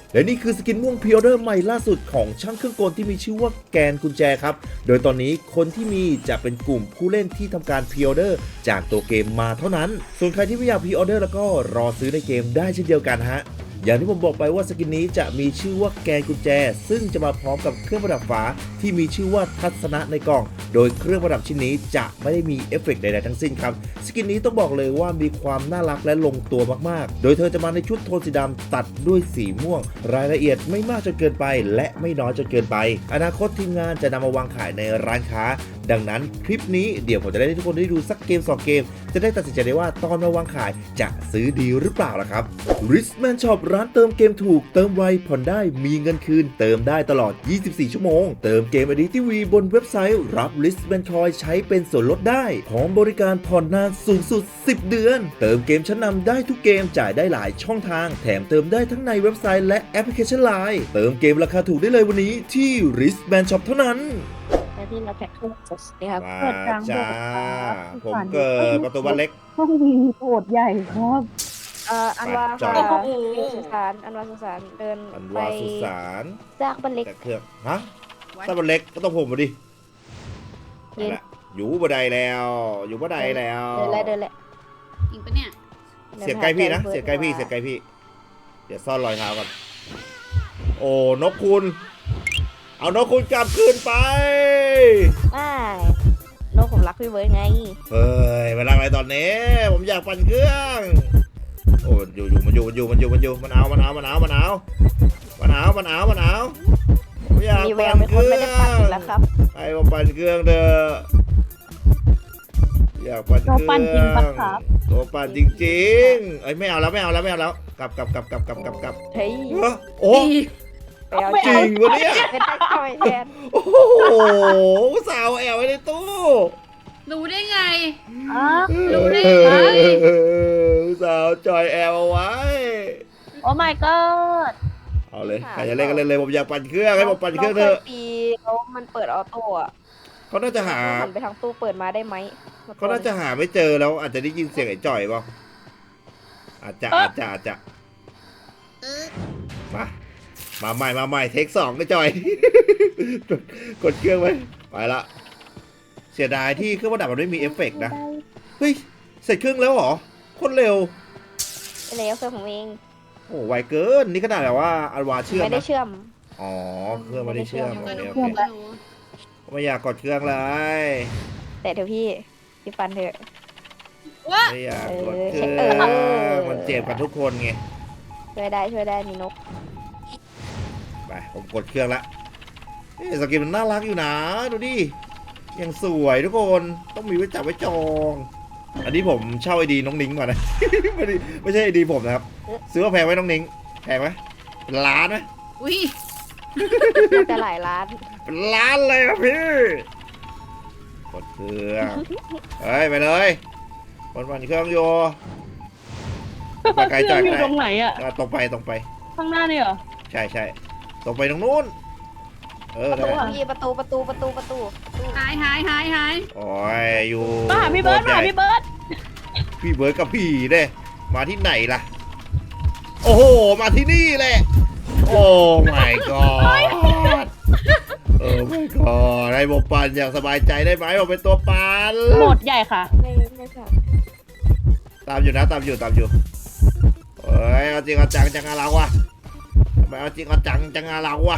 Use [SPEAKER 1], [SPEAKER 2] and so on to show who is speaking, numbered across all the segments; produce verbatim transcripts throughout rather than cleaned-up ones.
[SPEAKER 1] และนี่คือสกินม่วงพรีออเดอร์ใหม่ล่าสุดของช่างเครื่องกลที่มีชื่อว่าแกนกุญแจครับโดยตอนนี้คนที่มีจะเป็นกลุ่มผู้เล่นที่ทำการพรีออเดอร์จากตัวเกมมาเท่านั้นส่วนใครที่ไม่อยากพรีออเดอร์แล้วก็รอซื้อในเกมได้เช่นเดียวกันฮะอย่างที่ผมบอกไปว่าสกินนี้จะมีชื่อว่าแกนกุญแจซึ่งจะมาพร้อมกับเครื่องประดับฝาที่มีชื่อว่าทัศนะในกล่องโดยเครื่องประดับชิ้นนี้จะไม่ได้มีเอฟเฟกต์ใดๆทั้งสิ้นครับสกินนี้ต้องบอกเลยว่ามีความน่ารักและลงตัวมากๆโดยเธอจะมาในชุดโทนสีดำตัดด้วยสีม่วงรายละเอียดไม่มากจนเกินไปและไม่น้อยจนเกินไปอนาคตทีมงานจะนำมาวางขายในร้านค้าดังนั้นคลิปนี้เดี๋ยวผมจะได้ให้ทุกคนได้ดูสักเกมสองเกมจะได้ตัดสินใจได้ว่าตอนมาวางขายจะซื้อดีหรือเปล่าล่ะครับ Richman Shop ร้านเติมเกมถูกเติมไวผ่อนได้มีเงินคืนเติมได้ตลอดยี่สิบสี่ชั่วโมงเติมเกม ไอ ดี ที วี บนเว็บไซต์รับ Richman Coin ใช้เป็นส่วนลดได้พร้อมบริการผ่อนนานสูงสุดสิบเดือนเติมเกมชั้นนำได้ทุกเกมจ่ายได้หลายช่องทางแถมเติมได้ทั้งในเว็บไซต์และแอปพลิเคชัน ไลน์ เติมเกมราคาถูกได้เลยวันนี้ที่ Richman Shop เท่านั้น
[SPEAKER 2] ที่เราแพ็คเครื่องสดนะครับ
[SPEAKER 1] มาจ้าผมเกิดประตูบ้านเล็ก
[SPEAKER 3] ห้องวีโหดใหญ่ครับ
[SPEAKER 2] เอ่ออันวา
[SPEAKER 1] จอ
[SPEAKER 2] ค่ะ
[SPEAKER 1] ด
[SPEAKER 2] สุสานอันวาสุสานเดิน
[SPEAKER 1] อัน
[SPEAKER 2] ไป
[SPEAKER 1] วาสุสาน
[SPEAKER 2] ซากบันเล็ก
[SPEAKER 1] แต่เครื่องฮะถ้าบ้านเล็กก็ต้องผมมาดิ
[SPEAKER 2] เย็น
[SPEAKER 1] อยู่บันไดแล้วอยู่บันไดแล้ว
[SPEAKER 2] เดินเลยเดินเลย
[SPEAKER 4] จริงปะเนี่ย
[SPEAKER 1] เสียงใกล้พี่นะเสียงใกล้พี่เสียงใกล้พี่เดี๋ยวซ่อนรอยเท้าก่อนโอ้นกคุณเอานกคุณกลับคืนไป
[SPEAKER 2] ไม่โลกผมรักพี่เบิร์ดไง
[SPEAKER 1] เฮ้ยมาลังอะไรตอนนี้ผมอยากปั่นเครื่องโอ้อยู่อยู่มันอยู่มันอยู่มันอยู่มันอยู่มันเอามันเอามันเอามันเอามันเอามันเอามันเอาผมอยาก
[SPEAKER 2] มีแว
[SPEAKER 1] ปั่
[SPEAKER 2] วน เป็น
[SPEAKER 1] เค
[SPEAKER 2] คน
[SPEAKER 1] รื่
[SPEAKER 2] ไม่
[SPEAKER 1] อ
[SPEAKER 2] ได้ปั่นอี
[SPEAKER 1] ง
[SPEAKER 2] กแล้วครับ
[SPEAKER 1] ไอ้ผมปั่นเครื่องเด้ออยากปั่นเครื่อง
[SPEAKER 3] ตัวปั่นจริงปะครับ
[SPEAKER 1] ตัวปั่นจริงๆเอ้ยไม่เอาแล้วไม่เอาแล้วไม่เอาแล้วกลับกลับกลับกลับกลับกลับกลับ
[SPEAKER 2] เฮ้ย
[SPEAKER 1] เอ้อโอ้
[SPEAKER 2] ไปเอา
[SPEAKER 1] จริงวะเนี่ย
[SPEAKER 2] เป็นได้ทำไมแทน
[SPEAKER 1] โอ้โหสาวแอบไว้ในตู้
[SPEAKER 4] รู้ได้ไง
[SPEAKER 3] อ๋อ
[SPEAKER 4] รู้ได้ไง
[SPEAKER 1] สาวจอยแอบเอาไว้
[SPEAKER 3] โอ้ my god
[SPEAKER 1] เอาเลยใครจะเล่นก็เล่นเลยผมอยากปั่นเครื่องให้ผมปั่นเครื่องเถอะ
[SPEAKER 2] าปีแล้วมันเปิดออโต้อะ
[SPEAKER 1] เขาน่าจะหา
[SPEAKER 2] หันไปทางตู้เปิดมาได้ไหม
[SPEAKER 1] เขาน่าจะหาไม่เจอแล้วอาจจะได้ยินเสียงไอ้จ่อยเปล่าอาจจะอาจจะอาจจะมามาใหม่มาใหม่เทคสองก็จ่อย กดกดเครื่องไว้ไปละเสียดายที่เครื่องประดับมันไม่มีเอฟเฟกต์นะเฮ้ยเสร็จเครื่องแล้วเหรอคนเร็ว
[SPEAKER 2] เป็นแล้วเครื่องผมเอง
[SPEAKER 1] โอ้ไวเกินนี่ขนาดแบบว่าอันวาเชื่อม
[SPEAKER 2] ไม่ได้
[SPEAKER 1] นะ
[SPEAKER 2] เชื่อม
[SPEAKER 1] อ๋อเครื่องไม่ได้เชื่อม
[SPEAKER 4] อยู่
[SPEAKER 1] โอ
[SPEAKER 4] กับ
[SPEAKER 1] เค
[SPEAKER 4] หนู
[SPEAKER 1] โอเค
[SPEAKER 4] หนู
[SPEAKER 1] ไม่อยากกดเครื่องเลย
[SPEAKER 2] แต่เดี๋ยวพี่พี่ฟันเถอะ
[SPEAKER 4] ว้า
[SPEAKER 1] ไม่อยากกดเครื่
[SPEAKER 2] เอ
[SPEAKER 1] อ
[SPEAKER 2] อ
[SPEAKER 1] งมันเจ็บกันทุกคนไง
[SPEAKER 2] ช่วยได้ช่วยได้มีนก
[SPEAKER 1] ไปผมกดเครื่องละเอ๊ะสกินมันน่ารักอยู่นะดูดิยังสวยทุกคนต้องมีไว้จับไว้จอง อันนี้ผมเช่าไอดีน้องนิ้งมานะ ไม่ได้ไม่ใช่ไอดีผมนะครับซื้อมาแพงไหมน้องนิ้งแพงไหมเป็นล้านไหม
[SPEAKER 4] อุ้ย
[SPEAKER 2] น่าจะหลายล้าน
[SPEAKER 1] เป็นล้านเลยครับพี่กดเครื่องเฮ้ยไปเลยกดมันเครื่องโยไปไกล
[SPEAKER 3] เครื่
[SPEAKER 1] จ่า
[SPEAKER 3] อย งอ
[SPEAKER 1] ไป
[SPEAKER 3] ยู่ตรงไหนอะ
[SPEAKER 1] อ่ะตรงไปตรงไป
[SPEAKER 3] ข้างหน้านี่เหรอ
[SPEAKER 1] ใช่ใช่ตรงไปตรงนู้นเออ
[SPEAKER 2] ประ
[SPEAKER 1] ได้
[SPEAKER 2] ตูพี่ประตูประตูประตูประตูประตู
[SPEAKER 4] หายหายหายหาย
[SPEAKER 1] โอ้ยอยู่
[SPEAKER 3] มาหาพี่เบิร์ด
[SPEAKER 1] โค
[SPEAKER 3] มา
[SPEAKER 1] ให
[SPEAKER 3] หา
[SPEAKER 1] ญ่
[SPEAKER 3] พี่เบิร์ด
[SPEAKER 1] พี่เบิร์ดกับพี่เด้มาที่ไหนล่ะ โอ้โหมาที่นี่แหละโอ้ my god โอ้ my god ให้ผมปั่นอย่างสบายใจได้ไหมผมเป็นตัวปั่น
[SPEAKER 3] โหมดใหญ่ค่ะ
[SPEAKER 2] ไม่ไม่ใช่
[SPEAKER 1] ตามอยู่นะตามอยู่ตามอยู่เอ้ยเอาจริงเอาจังจังอะไรวะทำไมเอาจริงเอาจังจังอะไรวะ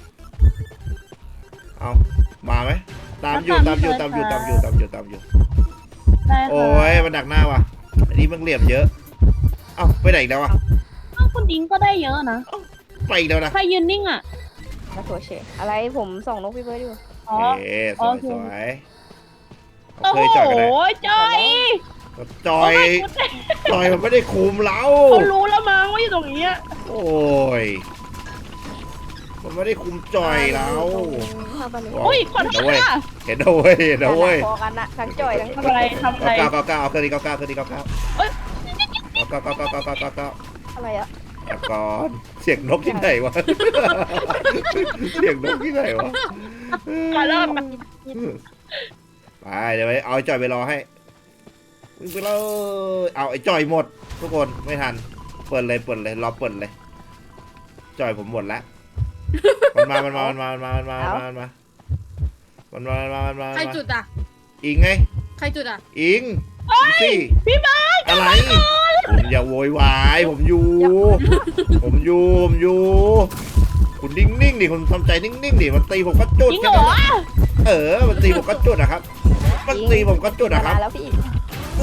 [SPEAKER 1] เอามาไหมตามอยู่ตามอยู่ตามอยู่ตามอยู่ตามอยู่ตามอยู่
[SPEAKER 3] ได้
[SPEAKER 1] โอ้
[SPEAKER 3] ค่ะ
[SPEAKER 1] ยมันดักหน้าว่ะอันนี้มันเหลี่ยมเยอะเอ้าไปไหนอีกแล้ววะ
[SPEAKER 3] อ้าวคุณดิ้งก็ได้เยอะนะ
[SPEAKER 1] ไปอีกแล้วนะ
[SPEAKER 3] ใครยืนนิ่งอะ
[SPEAKER 2] มาโถเฉอะไรผมส่องนกพี่เบิร์ดอยู่
[SPEAKER 3] อ๋อ
[SPEAKER 1] เอ๊ะส
[SPEAKER 3] โอ
[SPEAKER 1] วย
[SPEAKER 3] เค
[SPEAKER 1] สวย
[SPEAKER 3] โอ้
[SPEAKER 1] เค
[SPEAKER 3] โห
[SPEAKER 1] ยจอยกันเลย
[SPEAKER 3] จอย
[SPEAKER 1] จอยจอยมันไม่ได้คุมเรา
[SPEAKER 3] เขารู้แล้วมั้งว่าอยู่ตรงนี้อะ
[SPEAKER 1] โอ้ยมันไม่ได้คุมจอยเรา
[SPEAKER 2] ทำอะไร
[SPEAKER 3] อุ้ยขอโทษค่ะ
[SPEAKER 1] เห็นเอาเว้ยเห็นเอาเว้ย
[SPEAKER 2] พอกันนะทั้งจ่อยทั้ง
[SPEAKER 3] ทำอะไรทำอะไร
[SPEAKER 1] เก้าเก้าเก้าเอาเครื่องนี้เก้าเก้าเครื่องนี้เก้าเก้า
[SPEAKER 3] เอ้ย
[SPEAKER 1] เก้าเก้าเก้าเก้าเก้าเก้าเก้า
[SPEAKER 2] อะไรอะ
[SPEAKER 1] เอาก่อนเสียงนกที่ไหนวะ เสียงนกที่ไหนวะ
[SPEAKER 3] มาเริ่ม
[SPEAKER 1] ไปเดี๋ยวไปเอาไอ้จอยไปรอให้วิ่งไปเลยเอาไอ้จอยหมด ทุกคนไม่ทันเปิดเลยเปิดเลยรอเปิดเลยจ่อยผมหมดแล้วมันมามันมามันมามันมามันมามันมามันมามันมามันมา
[SPEAKER 4] ใครจุดอ่ะ
[SPEAKER 1] อิงไง
[SPEAKER 4] ใครจุดอ่ะ
[SPEAKER 1] อิงสิพี่บ้าอะไรผมอย่าโวยวายผมอยู่ผมอยู่ผมอยู่คุณนิ่งๆดิคุณทำใจนิ่งๆดิมันตีผมก็จุด
[SPEAKER 3] จริง
[SPEAKER 1] กัน
[SPEAKER 3] เหรอ
[SPEAKER 1] นะเออมันตีผมก็จุดอะครับมันตีผมก็จุดอะครับ
[SPEAKER 2] มาแล้วพี่
[SPEAKER 1] โอ้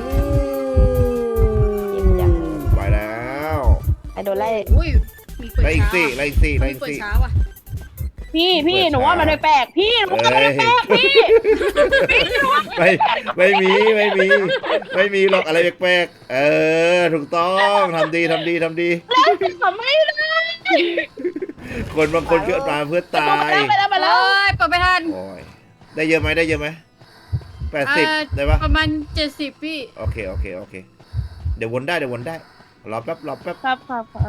[SPEAKER 2] เจ็บจัง
[SPEAKER 1] ไปแล้ว
[SPEAKER 2] ไอโดนไล่
[SPEAKER 4] อุ้ยมีเปิด
[SPEAKER 1] ไล่อีก
[SPEAKER 4] เช้า
[SPEAKER 1] สิไล่อีกสิไล่
[SPEAKER 4] มี
[SPEAKER 1] อีก
[SPEAKER 4] เปิด
[SPEAKER 1] สิ
[SPEAKER 4] เช้าอ่ะ
[SPEAKER 3] พี่พี่หนูว่ามันแปลกๆพี่หนูว่ามัน
[SPEAKER 1] เอ้ย
[SPEAKER 3] แปลกๆพี่
[SPEAKER 1] ไม่ไม่มีไม่มีไม่มีหรอกอะไรแปลกๆเออถูกต้องทำดีทำดีทำดี
[SPEAKER 3] ทำไม่ได้
[SPEAKER 1] คนบางคนเกิดมาเพื่อตาย
[SPEAKER 3] ไปแล้วไป
[SPEAKER 4] เอ้
[SPEAKER 3] แล้ว
[SPEAKER 4] ยเปิดไม่ทัน
[SPEAKER 1] โอ้ยได้เยอะไหมได้เยอะไหมแปดสิบ
[SPEAKER 4] เอ่อ
[SPEAKER 1] ได้ปะ
[SPEAKER 4] ประมาณเจ็ดสิบพี่
[SPEAKER 1] โอเคโอเคโอเคเดี๋ยววนได้เดี๋ยววนได้รอแป๊บรอแป๊บ
[SPEAKER 3] ครับครับครับ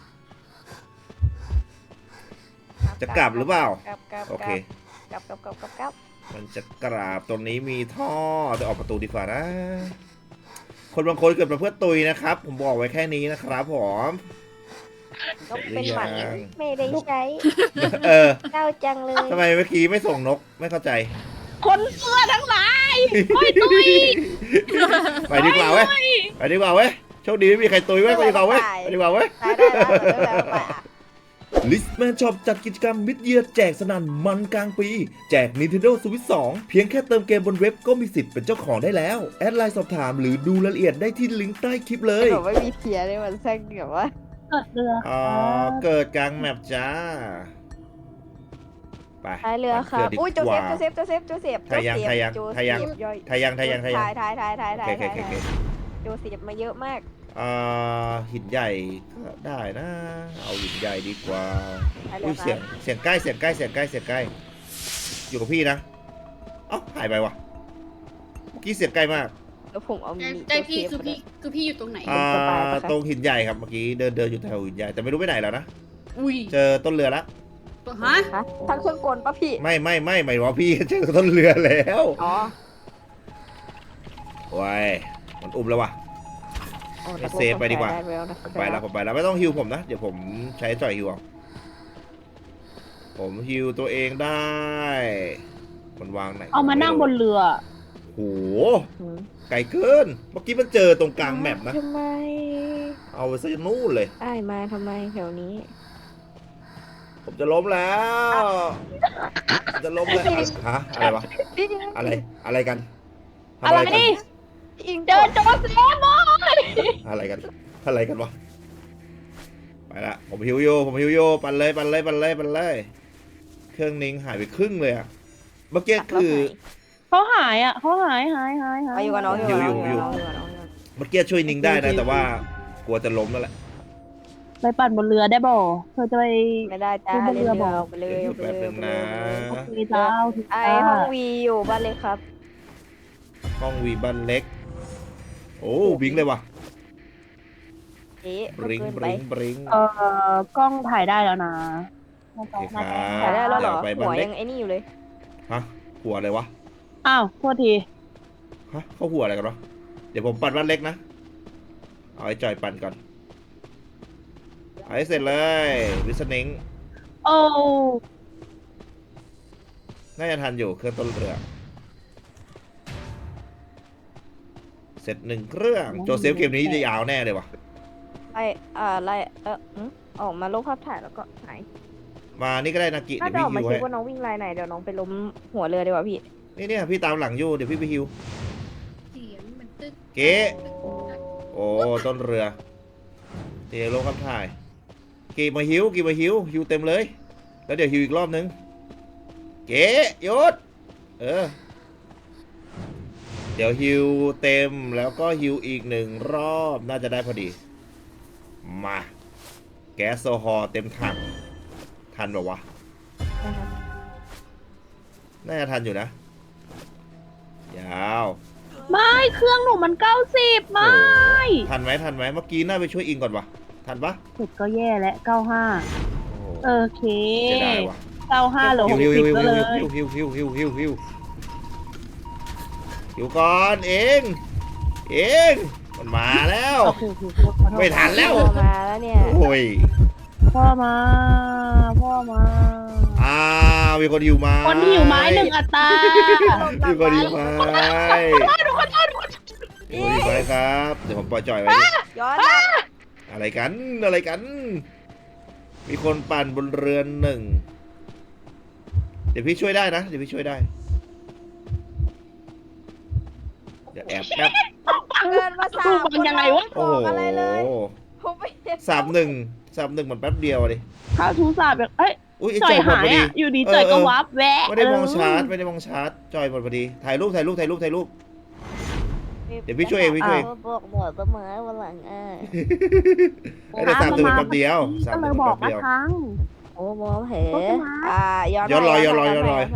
[SPEAKER 1] จะกลับหรือเปล่า
[SPEAKER 2] กลับกลับ
[SPEAKER 1] โอเค
[SPEAKER 2] กลับกลับกลับกลับกลับ
[SPEAKER 1] มันจะกราบตรงนี้มีท่อจะออกประตูดีกว่านะ คนบางคนเกิดมาเพื่อตุยนะครับ ผมบอกไว้แค่นี้นะครับผม
[SPEAKER 2] ก็เป็นหมัน
[SPEAKER 1] ยัง
[SPEAKER 2] ไม่ได้ใช้
[SPEAKER 1] เออ
[SPEAKER 2] เจ้าจังเลย
[SPEAKER 1] ทำไมเมื่อกี้ไม่ส่งนกไม่เข้าใจ
[SPEAKER 3] คนเสื้อทั้งหลายโอ้ยตุย
[SPEAKER 1] ไปดีกว่าเว้ยไปดีกว่าเว้ยโชคดีไม่มีใครตุยเว้ยไปดีกว่าเว้ยไปดีกว่าเว้ย
[SPEAKER 2] ตายได้แล้วได้แล้วไปอ่ะ
[SPEAKER 1] ลิสแมนช็อปจัดกิจกรรมมิดเยียร์แจกสนั่นมันกลางปี แจก Nintendo Switch สอง เพียงแค่เติมเกมบนเว็บก็มีสิทธิ์เป็นเจ้าของได้แล้ว แอดไลน์สอบถามหรือดูรายละเอียดได้ที่ลิงก์ใต้คลิปเลย
[SPEAKER 2] หนูไม่มีเทียร์เลยมันแซ่งแบบว่า
[SPEAKER 3] เกิดเรือ
[SPEAKER 1] อ๋อเกิดกลางแมปจ้า ไป
[SPEAKER 2] ท้ายเรือครับ
[SPEAKER 1] ดี
[SPEAKER 2] อุ้ยโจ
[SPEAKER 1] ก
[SPEAKER 2] เซ
[SPEAKER 1] ว่า
[SPEAKER 2] ฟโจเซฟโจเซฟโจเซฟ
[SPEAKER 1] ทายังทายัง
[SPEAKER 2] โจเซฟ
[SPEAKER 1] ทายัง
[SPEAKER 2] ย่อย
[SPEAKER 1] ทายังทายังทายัง
[SPEAKER 2] ถ่ายถ่ายถ่ายถ่ายถ่าย
[SPEAKER 1] โอเค
[SPEAKER 2] ถ่าย
[SPEAKER 1] โอเคโอเค
[SPEAKER 2] โจเซฟมาเยอะมาก
[SPEAKER 1] อ่าหินใหญ่ก็ได้นะ เอาหินใหญ่ดีกว่า
[SPEAKER 2] ท้ายเรื
[SPEAKER 1] อุ้
[SPEAKER 2] อย ค
[SPEAKER 1] เสีย
[SPEAKER 2] รั
[SPEAKER 1] ง
[SPEAKER 2] บ
[SPEAKER 1] เสียงใกล้เสียงใกล้เสียงใกล้เสียงใกล้ อยู่กับพี่นะเอ้าหายไปวะเมื่อกี้เสียงใกล้มาก
[SPEAKER 2] แล้วผมเอา
[SPEAKER 4] ใจ
[SPEAKER 2] มี
[SPEAKER 4] ใจพี่
[SPEAKER 2] โจ
[SPEAKER 4] คือ
[SPEAKER 2] เซฟ
[SPEAKER 4] พี่คือพี่อยู่ตรงไหน
[SPEAKER 1] อ่า
[SPEAKER 2] สบายปะคะ
[SPEAKER 1] ตรงหินใหญ่ครับเมื่อกี้เดินเดินอยู่แถวหินใหญ่แต่ไม่รู้ไปไหนแล้วนะ
[SPEAKER 4] อุ้ย
[SPEAKER 1] เจอต้นเรือแล้ว
[SPEAKER 4] ตัวฮะ
[SPEAKER 2] ฮะทั้งเครื่องกลปะพี่
[SPEAKER 1] ไม่ไม่ไม่หมายว่าพี่ เจอต้นเรือแล้ว
[SPEAKER 2] อ๋อ
[SPEAKER 1] ว้ายมันอุ้มแล้ววะ
[SPEAKER 2] อ๋อ
[SPEAKER 1] ให้เซฟไปดีกว่า
[SPEAKER 2] ได้แล้วนะ
[SPEAKER 1] ผมไปแล้วผมไปแล้วไม่ต้องฮิวผมนะ เดี๋ยวผมใช้จ่อยฮิวเอาผมฮิวตัวเองได้ มันวางไหน
[SPEAKER 3] เอามานั่งบนเรือ
[SPEAKER 1] โห
[SPEAKER 2] หืม
[SPEAKER 1] ไกลเกิน เมื่อกี้มันเจอตรงกลางแมปนะ
[SPEAKER 2] ทำไม
[SPEAKER 1] เอาไปซะนู่นเลย
[SPEAKER 2] อ้ายมาทำไมแถวนี้
[SPEAKER 1] ผมจะล้มแล้วผมจะล้มแล้วฮะอะไรวะ
[SPEAKER 2] พี่
[SPEAKER 1] อะไรอะไรกันทำ
[SPEAKER 3] อะไร
[SPEAKER 1] กั
[SPEAKER 3] นี่
[SPEAKER 2] อิง
[SPEAKER 3] เจอโจเซฟบอย
[SPEAKER 1] อะไรกันอะไรกันวะไปละผมฮิวโยผมฮิวโยปั่นเลยปั่นเลยปั่นเลยปั่นเลยเครื่องนิ้งหายไปครึ่งเลยอะเมื่อกี้คือ
[SPEAKER 3] เขาหายอ่ะเขาหายหายหายหาย
[SPEAKER 2] ไปอยู่กับน้องอยู่กับน้องอยู่กับน้องอยู่กับน้อง
[SPEAKER 1] เมื่อกี้ช่วยนิ้งได้นะ แต่ว่ากลัวจะล้มแล้วแหละ
[SPEAKER 3] ไปปั่นบนเรือได้บ่เธอจะไป
[SPEAKER 2] ไม่ได้จ้า
[SPEAKER 3] ขึ้นบน
[SPEAKER 2] เล่
[SPEAKER 3] เรื
[SPEAKER 2] น
[SPEAKER 3] อ
[SPEAKER 2] เรือ
[SPEAKER 3] บอก
[SPEAKER 2] เอาไปเลย
[SPEAKER 1] เดี๋ยว
[SPEAKER 2] เอาไป
[SPEAKER 1] แป๊บ
[SPEAKER 2] เลย
[SPEAKER 1] นึงนะ
[SPEAKER 3] โอเคเจ้า
[SPEAKER 2] ไอห้องวีอยู่บ้านเลยครับ
[SPEAKER 1] ห้องวีบันเล็ก โอ้บิงเลยว่ะ
[SPEAKER 2] เอ๊ะ
[SPEAKER 1] บริง
[SPEAKER 2] เกิน
[SPEAKER 1] บ
[SPEAKER 2] ไป
[SPEAKER 1] ริงบริง
[SPEAKER 3] เอ่อกล้องถ่ายได้แล้วนะน่า
[SPEAKER 1] โอ
[SPEAKER 3] จะ
[SPEAKER 1] เคค
[SPEAKER 3] น่า
[SPEAKER 1] รั
[SPEAKER 3] จะ
[SPEAKER 1] บ
[SPEAKER 2] ถ่ายได้แล้วเหรอ
[SPEAKER 1] เดี๋ยวไปบั
[SPEAKER 2] หั
[SPEAKER 1] น
[SPEAKER 2] ว
[SPEAKER 1] เล็
[SPEAKER 2] ยั
[SPEAKER 1] ก
[SPEAKER 2] งไอ้นี่อยู่เลย
[SPEAKER 1] ฮะหัวอะไรวะ
[SPEAKER 3] อ้าวโทษที
[SPEAKER 1] ฮะเขาหัวอะไรกันวะเดี๋ยวผมปั่นบ้านเล็กนะเอาไอ้จอยปั่นก่อนเอาให้เสร็จเลยวิสนิง
[SPEAKER 3] โอ้
[SPEAKER 1] น่าจะทันอยู่เครื่องต้นเรือ เสร็จหนึ่งเครื่องโจเซฟเกมนี้จะยาวแน่เลยว่ะ
[SPEAKER 2] ไล่อ่าไล่เออหึออกมาลบภาพถ่ายแล้วก็หาย
[SPEAKER 1] มานี่ก็ได้นากิ
[SPEAKER 2] ถ้า
[SPEAKER 1] เดี๋ยว
[SPEAKER 2] จะอ
[SPEAKER 1] พี่
[SPEAKER 2] อกมา
[SPEAKER 1] ฮิว
[SPEAKER 2] เช็ค
[SPEAKER 1] ให้
[SPEAKER 2] ว่าน้องวิ่งไลน์ไหนเดี๋ยวน้องไปล้มหัวเรือดีกว่าพี่
[SPEAKER 1] นี่เนี่ยพี่ตามหลังอยู่เดี๋ยวพี่ไปฮิว
[SPEAKER 4] เสียงมันตึ๊ด
[SPEAKER 1] เก๋โอ้ต้นเรือเดี๋ยวลงคำถ่ายกี่มาฮิวกี่มาฮิวฮิวเต็มเลย แล้วเดี๋ยวฮิวอีกรอบนึงเก๋ยศเออเดี๋ยวฮิวเต็มแล้วก็ฮิวอีกหนึ่งรอบน่าจะได้พอดีมาแก๊สโซฮอล์เต็มถังทันแบบวะ
[SPEAKER 2] นะครับ
[SPEAKER 1] น่าจะทันอยู่นะ ยาว
[SPEAKER 3] ไม่เครื่องหนูมันเก้าสิบไม่
[SPEAKER 1] โอ้ทันไหมทันไหมเมื่อกี้น่าไปช่วยอิงก่อนวะทันปะ
[SPEAKER 3] เสร็จก็แย่แล้วเก้าห้า
[SPEAKER 1] โอ้
[SPEAKER 3] โอเค
[SPEAKER 1] เสียดายวะ
[SPEAKER 3] เก้าห้าเหลือหก
[SPEAKER 1] ฮิว
[SPEAKER 3] สิ
[SPEAKER 1] ฮิ
[SPEAKER 3] บ
[SPEAKER 1] วฮิว
[SPEAKER 3] ก็เลย
[SPEAKER 1] ฮิวฮิวฮิวฮิวฮิวฮิวฮิวก่อนเองเองมันมาแล้ว
[SPEAKER 3] โอเคโอเคขอโทษ
[SPEAKER 1] ไม่ทันแล้ว
[SPEAKER 2] มาแล้วเนี่ย
[SPEAKER 1] โอ้ย
[SPEAKER 3] พ่อมาพ่อมา
[SPEAKER 1] อ้าวมีคนหิวไม้
[SPEAKER 3] คนที่อยู่ไม้หนึ่งอัตรา
[SPEAKER 1] มีคนหิวไม้มีคนหิวไม้ครับเดี๋ยวผมปล่อยจ่อยไว้ดิ
[SPEAKER 2] ย้อนมา
[SPEAKER 1] อะไรกันอะไรกัน มีคนปั่นบนเรือนหนึ่งเดี๋ยวพี่ช่วยได้นะเดี๋ยวพี่ช่วยได้เดี๋ยวแอบแป๊บ
[SPEAKER 2] เกินมาสาม
[SPEAKER 3] มันยังไงวะ
[SPEAKER 2] บอ
[SPEAKER 1] โอ้โห
[SPEAKER 2] กอะไรเลยผมไม่เห็น
[SPEAKER 1] สามหนึ่งสามหนึ่งมันแป๊บเดียวอะดิ
[SPEAKER 3] ข้าวทูสาบแบบเอ้ย
[SPEAKER 1] อุ้ยไอ้
[SPEAKER 3] จ่
[SPEAKER 1] จ
[SPEAKER 3] อ
[SPEAKER 1] อย ยหมด
[SPEAKER 3] หา
[SPEAKER 1] พ
[SPEAKER 3] ย
[SPEAKER 1] อดี
[SPEAKER 3] อ่ะอยู่ดีจ่อยก็วับแวะ
[SPEAKER 1] ไม่ได้มองชาร์จไม่ได้มองชาร์จจอยหมดพอดีถ่ายรูปถ่ายรูปถ่ายรูปถ่ายรูป เดี๋ยวพี่ช่วยเองพี่ช่วย
[SPEAKER 2] บอกหมดเสมอวันหลังอ่ะ
[SPEAKER 1] ไอ้แต่สามหนึ่งมันแป๊บเดียวสาม
[SPEAKER 3] ก็
[SPEAKER 1] ห
[SPEAKER 3] เล
[SPEAKER 1] นึ่
[SPEAKER 3] ย
[SPEAKER 1] ง
[SPEAKER 3] บ
[SPEAKER 1] มัน
[SPEAKER 3] อก
[SPEAKER 1] แป๊บ
[SPEAKER 3] นะ
[SPEAKER 1] เดียว
[SPEAKER 3] ครั้ง
[SPEAKER 2] โอ้มองเห็น
[SPEAKER 3] โอ้ยมา
[SPEAKER 2] อ่าย้อน
[SPEAKER 1] ย้อนรอยย้อนรอย
[SPEAKER 2] ไป
[SPEAKER 1] ย้อนรอย
[SPEAKER 2] ไป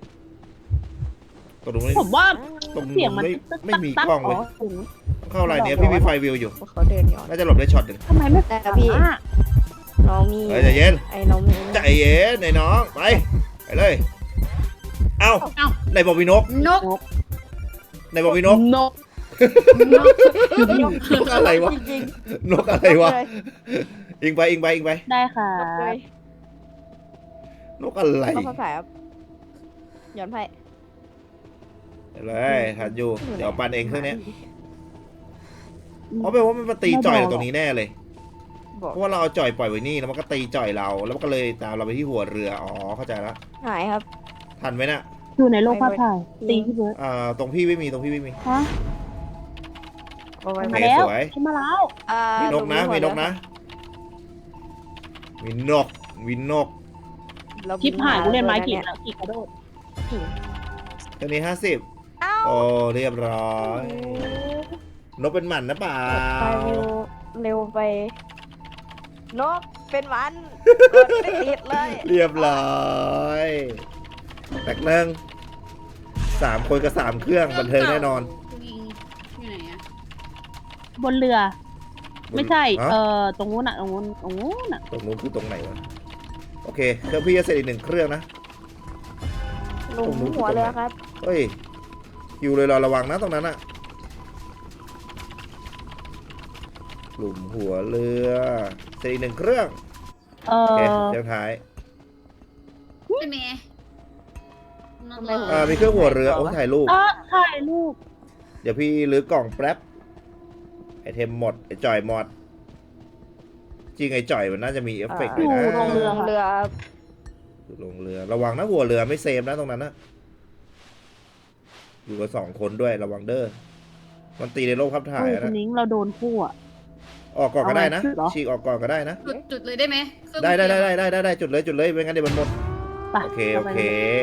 [SPEAKER 1] ตรงนู้น
[SPEAKER 3] ผมว่า
[SPEAKER 1] ตรง
[SPEAKER 3] เสียง
[SPEAKER 1] นู้น
[SPEAKER 3] มัน
[SPEAKER 1] ไม่
[SPEAKER 3] ตึ๊ก
[SPEAKER 1] ไม่มี
[SPEAKER 3] ตั๊
[SPEAKER 1] กล้องเลย
[SPEAKER 3] ถึง
[SPEAKER 1] เข้าอะไรเนี้ยพี่มีไฟวิวอยู่
[SPEAKER 2] เขาเดินย้อน
[SPEAKER 1] น่าจะหลบได้ช็อตหนึ่ง
[SPEAKER 3] ทำไมไม่
[SPEAKER 2] แต่พี่
[SPEAKER 3] อ่ะ
[SPEAKER 2] น้องมี
[SPEAKER 1] เฮ้ยใจเย็น
[SPEAKER 2] ไอ้น้องมี
[SPEAKER 1] ใจเย็นไอ้น้องไปไปเลยเอ้า
[SPEAKER 4] เอ้า
[SPEAKER 1] ไหนบอกมีนก
[SPEAKER 4] นก
[SPEAKER 1] ไหนบอกมีนก
[SPEAKER 3] นก
[SPEAKER 4] นก
[SPEAKER 1] นกอะไรวะ
[SPEAKER 2] จริง
[SPEAKER 1] นกอะไร
[SPEAKER 2] ๆ
[SPEAKER 1] วะ
[SPEAKER 2] เลย
[SPEAKER 1] อิงไปอิงไปอิงไป
[SPEAKER 3] ได้ค่ะ
[SPEAKER 2] นกเลย
[SPEAKER 1] นกอะไร
[SPEAKER 2] ก็ภาษาครับย้อนไป
[SPEAKER 1] เดี๋ยวเลยทันอยู่เดี๋ยวปันเองเครื่องเนี้ยอ๋อแปลว่ามันมาตีจ่อยตรงนี้แน่เลย
[SPEAKER 2] บอก
[SPEAKER 1] เพราะว่าเราเอาจ่อยปล่อยไว้นี่แล้วมันก็ตีจ่อยเรา แล้วมันก็เลยตามเราไปที่หัวเรือ อ๋อ เข้าใจแล้ว
[SPEAKER 2] หายครับ
[SPEAKER 1] ทันไหมน่ะ
[SPEAKER 3] อยู่ในโลกภาพถ่ายตีพี่เบิร์ด
[SPEAKER 1] อ่า ตรงพี่ไม่มี ตรงพี่ไม่มี
[SPEAKER 3] ฮะ
[SPEAKER 2] เอาไว้
[SPEAKER 1] โอ
[SPEAKER 3] มา
[SPEAKER 1] เค
[SPEAKER 3] แล้ว
[SPEAKER 1] สวย
[SPEAKER 3] ขึ้นมาแล้ว
[SPEAKER 2] อ่า
[SPEAKER 1] มีนกนะ
[SPEAKER 2] ดู
[SPEAKER 1] มีนกนะ มีนก มีนก
[SPEAKER 2] เรา
[SPEAKER 3] คลิปหายกูเล่นไม้
[SPEAKER 2] กี่
[SPEAKER 3] กี่แล้วกี่กระโดด
[SPEAKER 1] ตัวนี้ห้าสิบ
[SPEAKER 2] เอ้า
[SPEAKER 1] โอ้ เรียบร้อย นกเป็นหมันนะเปล่า
[SPEAKER 2] ไปเร็วเร็วไป นกเป็นหวันกดไม่ติดเลย
[SPEAKER 1] เรียบร้อยแตกเนื่องสามคนกับสามเครื่องบันเทิงแน่นอน
[SPEAKER 4] คุณอิงอยู่ไหนอะ
[SPEAKER 3] บนเรือ ไม่ใช่
[SPEAKER 1] ฮะ
[SPEAKER 3] เอ่อตรงนู้นอ่ะตรงนู้นตรงนู้นอ่ะ
[SPEAKER 1] ตรงนู้นคือตรงไหนวะ โอเคเครื่องพี่จะเสร็จอีกหนึ่งเครื่องนะ
[SPEAKER 2] หลุมหัวเรือครับ
[SPEAKER 1] เฮ้ยอยู่เลยเราระวังนะตรงนั้นอะหลุมหัวเรือเสร็จอีกหนึ่งเครื่อง
[SPEAKER 3] เอ่
[SPEAKER 1] โอเค
[SPEAKER 3] อ
[SPEAKER 1] เรื่องท้าย
[SPEAKER 4] ใช่ไหมนก
[SPEAKER 2] ทำไม
[SPEAKER 4] เหร
[SPEAKER 1] อ่า
[SPEAKER 4] อ
[SPEAKER 1] มีเครื่องหัวเรือโอ้ถ่ายรูป
[SPEAKER 3] เออถ่ายรูป
[SPEAKER 1] เดี๋ยวพี่รื้อกล่องแป๊บไอเทมหมดไอจ่อยหมด จริงไอจ่อยมันน่าจะมีเอฟเฟกต์
[SPEAKER 2] อ่า
[SPEAKER 1] ด้วยนะ
[SPEAKER 3] ลงเรือ
[SPEAKER 2] เรือ
[SPEAKER 1] ลงเรือระวังนะหัวเรือไม่เซฟนะตรงนั้นนะอยู่กับสองคนด้วยระวังเด้อมันตีในโลกภาพถ่าย
[SPEAKER 3] เฮ้ย
[SPEAKER 1] อะ
[SPEAKER 3] คุ
[SPEAKER 1] นะ
[SPEAKER 3] ณนิ้งเราโดนคู่อ่ะ
[SPEAKER 1] ออกก่อนก็ได้นะ
[SPEAKER 3] เอาไว้เหรอ
[SPEAKER 1] ฉีกออกก่อนก็ได้นะ
[SPEAKER 4] จุดจุดเลยได้ไหมเครื่อง
[SPEAKER 1] ได้ได้ได้
[SPEAKER 4] เสียง
[SPEAKER 1] ได้ได้ได้ได้จุดเลยจุดเลยไม่งั้นเดี๋ยวมันหมด
[SPEAKER 3] ไป
[SPEAKER 1] โอเคโอเค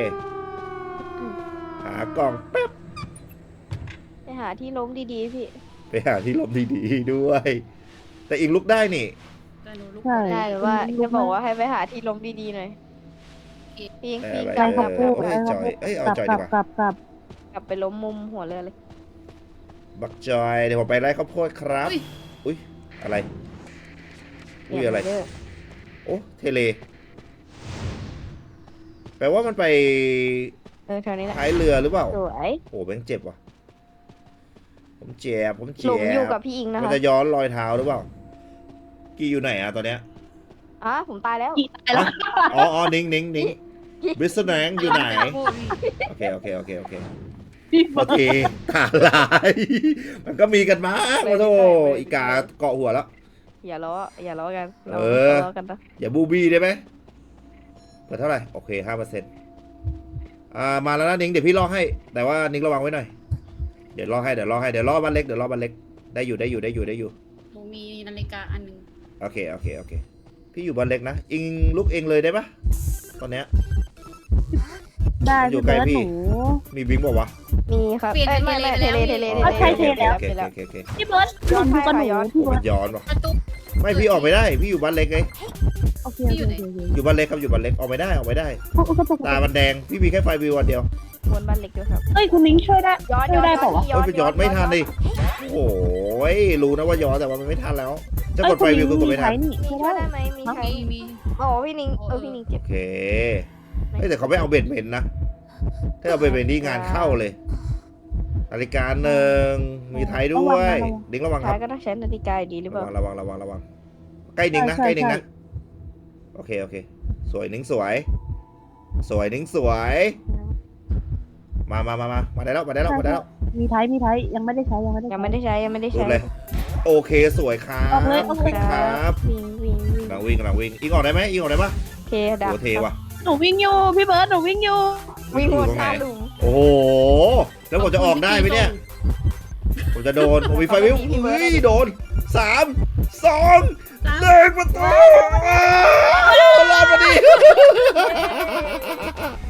[SPEAKER 1] หากล่องแป๊บ
[SPEAKER 2] ไปหาที่ล้มดีๆพี่
[SPEAKER 1] ไปหาที่หลบดีๆด้วย แต่อิงลุกได้นี่
[SPEAKER 4] แต่หนูลุก
[SPEAKER 3] ใช่
[SPEAKER 2] ได้หรือว่าจะบอกว่าให้ไปหาที่ล้มดีๆหน่อยปิง
[SPEAKER 1] เอ
[SPEAKER 2] ปิ
[SPEAKER 1] อง ไป
[SPEAKER 2] กลับ
[SPEAKER 1] เอ
[SPEAKER 2] กลั
[SPEAKER 1] อบ
[SPEAKER 2] กลับ
[SPEAKER 1] เอ้ยจอยเอ้ยเอา
[SPEAKER 3] กลับ
[SPEAKER 1] จอย
[SPEAKER 3] ก
[SPEAKER 1] ดี
[SPEAKER 3] ลับ
[SPEAKER 1] กว่าก
[SPEAKER 3] ลับกลับ
[SPEAKER 2] กลับไปล้มมุมหัวเรือเลย
[SPEAKER 1] บักจอยเดี๋ยวผมไปไล่ข้าวโพดครับ
[SPEAKER 4] อุ้ย
[SPEAKER 1] อุ้ยอะไรอุ้ยอะไร
[SPEAKER 2] เด้อ
[SPEAKER 1] โอ้เทเล แปลว่ามันไป
[SPEAKER 2] เออแถวนี้แหละ
[SPEAKER 1] ท้ายเรือหรือเปล่า
[SPEAKER 2] สวย
[SPEAKER 1] โอ้แบงค์เจ็บว่ะผมเจ็บผม
[SPEAKER 2] ห
[SPEAKER 1] เจ็
[SPEAKER 2] ลุมอยู่
[SPEAKER 1] บ
[SPEAKER 2] กับพี่อิงนะ
[SPEAKER 1] มัน
[SPEAKER 2] คะ
[SPEAKER 1] จะย้อนรอยเท้าหรือเปล่า กี่อยู่ไหนอะตอนเนี้ย
[SPEAKER 2] อ่ะผมตายแล้ว
[SPEAKER 3] กี่ตายแล้ว
[SPEAKER 1] อ๋ออ๋อนิ้งนิ้งนิ้งบริสแนงอยู่ไหน โอเค โอเค โอเค โอเค
[SPEAKER 3] พี่
[SPEAKER 1] โอเคขาลาย มันก็มีกันมากมาโธ่อีกาเกาะหัวแล้ว
[SPEAKER 2] อย่าล้ออย่าล้อกันเรา
[SPEAKER 1] เออ
[SPEAKER 2] ล้อกันนะ
[SPEAKER 1] อย่าบูบี้ได้ไหมเปิดเท่าไหร่ โอเคห้าเปอร์เซ็นต์อ่า มาแล้วนะนิ้งเดี๋ยวพี่ล่อให้ แต่ว่านิ้งระวังไว้หน่อย เดี๋ยวล่อให้ เดี๋ยวล่อให้ เดี๋ยวล่อบ้านเล็ก เดี๋ยวล่อบ้านเล็ก ได้อยู่ ได้อยู่ ได้อยู่ ได้อยู่
[SPEAKER 4] หนูมีนาฬิกาอันหนึง
[SPEAKER 1] โอเค โอเค โอเค พี่อยู่บ้านเล็กนะ อิงลุกเองเลยได้ปะตอนเนี้ย
[SPEAKER 3] ได้
[SPEAKER 1] อยู่
[SPEAKER 3] พี่
[SPEAKER 1] ใกล้
[SPEAKER 3] เบิร์ด
[SPEAKER 1] พี่
[SPEAKER 3] หนู
[SPEAKER 1] มีบิงบอกว่าวะ
[SPEAKER 2] มีครับ
[SPEAKER 4] เปลี่ยน
[SPEAKER 2] เอ้ย
[SPEAKER 4] ไป
[SPEAKER 2] ไม่ไม่
[SPEAKER 4] เท
[SPEAKER 2] เท
[SPEAKER 4] เล
[SPEAKER 2] เล
[SPEAKER 4] ไป
[SPEAKER 2] เท
[SPEAKER 4] แล้ว
[SPEAKER 2] เล
[SPEAKER 3] เอาใช่เทแล้ว
[SPEAKER 1] โอเค โอเค โอเค
[SPEAKER 3] พี่เบิร์ดหนูอยู่กับหนูพี่
[SPEAKER 1] มั
[SPEAKER 3] เบิร์
[SPEAKER 1] น
[SPEAKER 3] ด
[SPEAKER 1] ย้อนวะ
[SPEAKER 4] ประตู
[SPEAKER 1] ไม่พี่ออกไม่ได้ พี่อยู่บ้านเล็กไง
[SPEAKER 3] โอเค
[SPEAKER 4] พี่
[SPEAKER 3] โอ
[SPEAKER 4] อยู่
[SPEAKER 3] เค
[SPEAKER 4] ไหน
[SPEAKER 3] โอเค
[SPEAKER 1] อยู่บ้านเล็กครับ อยู่บ้านเล็ก ออกไม่ได้ ออกไม่ได้
[SPEAKER 3] โอ้โอ้กระตุก
[SPEAKER 1] ตามันแดง พี่มีแค่ไฟวิวอันเดียว
[SPEAKER 2] บนบ้านเล็กด้วยครับ
[SPEAKER 3] เอ้ยคุณนิ้งช่วยได้
[SPEAKER 2] ย้อน
[SPEAKER 3] ช่
[SPEAKER 2] ย้
[SPEAKER 3] ว
[SPEAKER 2] อย น
[SPEAKER 3] ได้เปล่าวะ
[SPEAKER 1] เอ้ยไปย้อนไม่ทันดิโอ้ยรู้นะว่าย้อนแต่ว่ามันไม่ทันแล้ว จะกดไฟวิวคือกดไม่ทัน
[SPEAKER 3] นี่
[SPEAKER 2] มี
[SPEAKER 3] ช่วย
[SPEAKER 2] ช่วย
[SPEAKER 3] ได้
[SPEAKER 2] ได้ไหมมีใคร
[SPEAKER 4] มีมี
[SPEAKER 2] โอ้พี่นิงเออพี่นิงเจ็บ
[SPEAKER 1] โอเคเฮ้ยแต่เขาไม่เอาเบ็ดเมนนะ ถ้าเอาเบ็ดเมนนี่งานเข้าเลยนาฬิกาหนึ่งมีไทยด้วยดิ้งระวังค
[SPEAKER 2] ท้า
[SPEAKER 1] รั
[SPEAKER 2] ย
[SPEAKER 1] บ
[SPEAKER 2] ก็ต้องใช้นาฬิกาอยู่ดีหรือเประ ล่า
[SPEAKER 1] วังระวังระวังระวังใกล้ดิ้งนะใกล้ดิ้งนะโอเคโอเคสวยนิ้งสวย สวยนิ้งสวยมามามามามาได้แล้วมาได้แล้วมาได้แล้ว
[SPEAKER 3] มีไทยมีไทยยังไม่ได้ใช้ยังไม่ได้
[SPEAKER 2] ยังไม่ได้ใช้ยังไม่ได้
[SPEAKER 1] รู
[SPEAKER 2] ใช้
[SPEAKER 1] ดเลยโอเคสวยครับ
[SPEAKER 3] ออกเลยออกเลย
[SPEAKER 1] วิ่งครับ
[SPEAKER 2] วิ่งวิ่งวิ่ง
[SPEAKER 1] กำลังวิ่งกำลังวิ่งอิงออกได้ไหมอิงออกได้ปะ
[SPEAKER 2] เทดับ
[SPEAKER 1] โอ้เทว่ะ
[SPEAKER 3] หนูวิ่งอยู่พี่เบิร์ดหนูวิ่งอยู่
[SPEAKER 2] วิ่ง
[SPEAKER 1] อยู่
[SPEAKER 2] วน
[SPEAKER 1] ตรง
[SPEAKER 2] ห
[SPEAKER 1] ไหน
[SPEAKER 2] น้าหลุม
[SPEAKER 1] โอ้โหแล้วผมจะออกได้ไหมเนี่ยผมจะโดนผมมีไฟวิวอุ้ยโดนสามสองหนึ่งประตูรอดมาดี